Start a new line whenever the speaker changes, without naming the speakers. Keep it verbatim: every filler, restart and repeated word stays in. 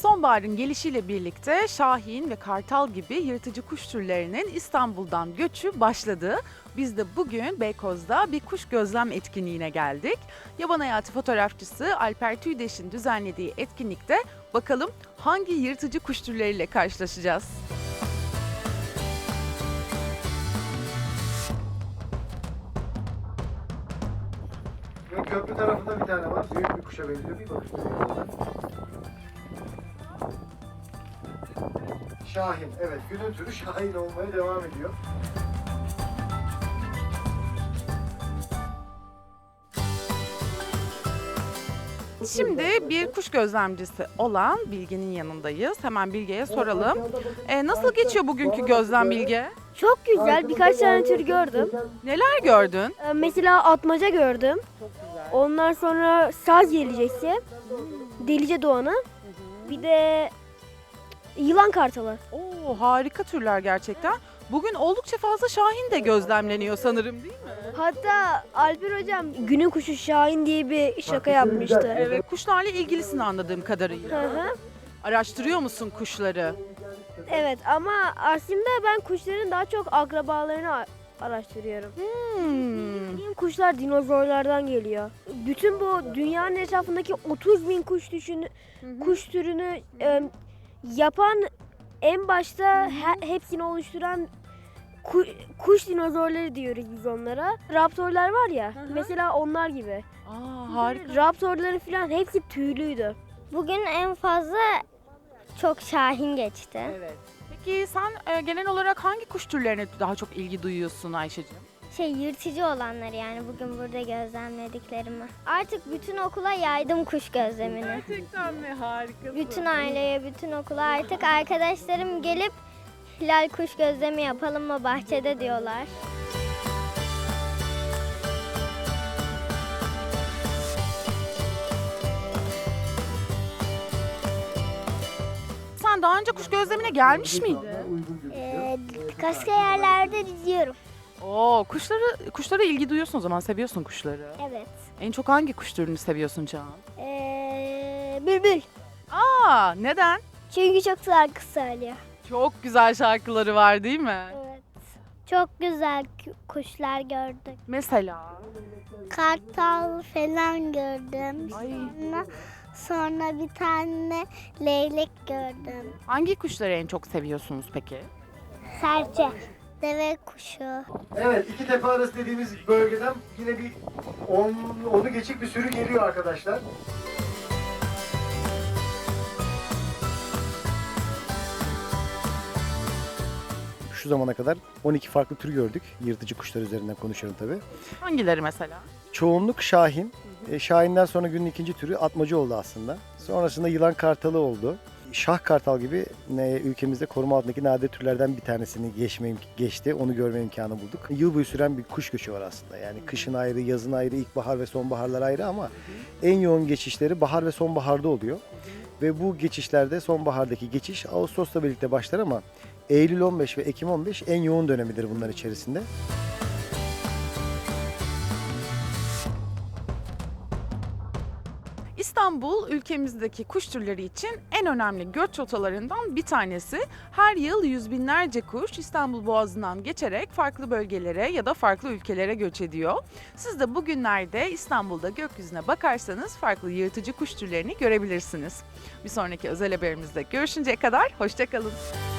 Sonbaharın gelişiyle birlikte şahin ve kartal gibi yırtıcı kuş türlerinin İstanbul'dan göçü başladı. Biz de bugün Beykoz'da bir kuş gözlem etkinliğine geldik. Yaban hayatı fotoğrafçısı Alper Tüydeş'in düzenlediği etkinlikte bakalım hangi yırtıcı kuş türleriyle karşılaşacağız?
Ve köprü tarafında bir tane var. Büyük bir kuşa benziyor. Bir bakın. Şahin. Evet. Günün türü şahin olmaya devam ediyor.
Şimdi bir kuş gözlemcisi olan Bilge'nin yanındayız. Hemen Bilge'ye soralım. E, nasıl geçiyor bugünkü gözlem Bilge?
Çok güzel. Birkaç tane tür gördüm.
Neler gördün?
Ee, Mesela atmaca gördüm. Ondan sonra saz gelecekse, delice doğanı. Bir de yılan kartalı.
Oo, harika türler gerçekten. Bugün oldukça fazla şahin de gözlemleniyor sanırım, değil mi?
Hatta Alper hocam günün kuşu Şahin diye bir şaka yapmıştı.
Evet, kuşlarla ilgilisin anladığım kadarıyla.
Hı hı.
Araştırıyor musun kuşları?
Evet ama aslında ben kuşların daha çok akrabalarını a- araştırıyorum.
Hmm.
Bildiğim kuşlar dinozorlardan geliyor. Bütün bu dünyanın etrafındaki otuz bin kuş düşün, kuş türünü e, yapan en başta he- hepsini oluşturan ku- kuş dinozorları diyoruz biz onlara. Raptorlar var ya,
hı.
mesela onlar gibi.
Aa, harika.
Raptorların falan hepsi tüylüydü.
Bugün en fazla çok şahin geçti.
Evet. Peki sen e, genel olarak hangi kuş türlerine daha çok ilgi duyuyorsun Ayşe'ciğim?
Şey yırtıcı olanları yani bugün burada gözlemlediklerimi. Artık bütün okula yaydım kuş gözlemini.
Gerçekten mi? Harikasın.
Bütün aileye, bütün okula artık arkadaşlarım gelip hilal kuş gözlemi yapalım mı bahçede diyorlar.
Sen daha önce kuş gözlemine gelmiş miydin?
Uygun gözüküyor.
Ee, başka yerlerde diziyorum.
Oo, kuşları kuşlara ilgi duyuyorsun o zaman, seviyorsun kuşları.
Evet.
En çok hangi kuş türünü seviyorsun Can?
Ee, bülbül.
Aa, neden?
Çünkü çok şarkı söylüyor.
Çok güzel şarkıları var değil mi?
Evet. Çok güzel kuşlar gördük.
Mesela?
Kartal falan gördüm.
Ay.
Sonra, sonra bir tane leylek gördüm.
Hangi kuşları en çok seviyorsunuz peki?
Serçe. Deve kuşu.
Evet. iki tepe arası dediğimiz bölgeden yine bir on, onu geçik bir sürü geliyor arkadaşlar. Şu zamana kadar on iki farklı tür gördük. Yırtıcı kuşlar üzerinden konuşuyorum tabii.
Hangileri mesela?
Çoğunluk şahin. E, şahinden sonra günün ikinci türü atmaca oldu aslında. Sonrasında yılan kartalı oldu. Şah kartal gibi ne, ülkemizde koruma altındaki nadir türlerden bir tanesini geçme, imk- geçti. Onu görme imkanı bulduk. Yıl boyu süren bir kuş göçü var aslında. Yani kışın ayrı, yazın ayrı, ilkbahar ve sonbaharlar ayrı ama en yoğun geçişleri bahar ve sonbaharda oluyor. Ve bu geçişlerde sonbahardaki geçiş Ağustos'la birlikte başlar ama Eylül on beş ve Ekim on beş en yoğun dönemidir bunlar içerisinde.
İstanbul ülkemizdeki kuş türleri için en önemli göç rotalarından bir tanesi. Her yıl yüz binlerce kuş İstanbul Boğazı'ndan geçerek farklı bölgelere ya da farklı ülkelere göç ediyor. Siz de bugünlerde İstanbul'da gökyüzüne bakarsanız farklı yırtıcı kuş türlerini görebilirsiniz. Bir sonraki özel haberimizde görüşünceye kadar hoşça kalın.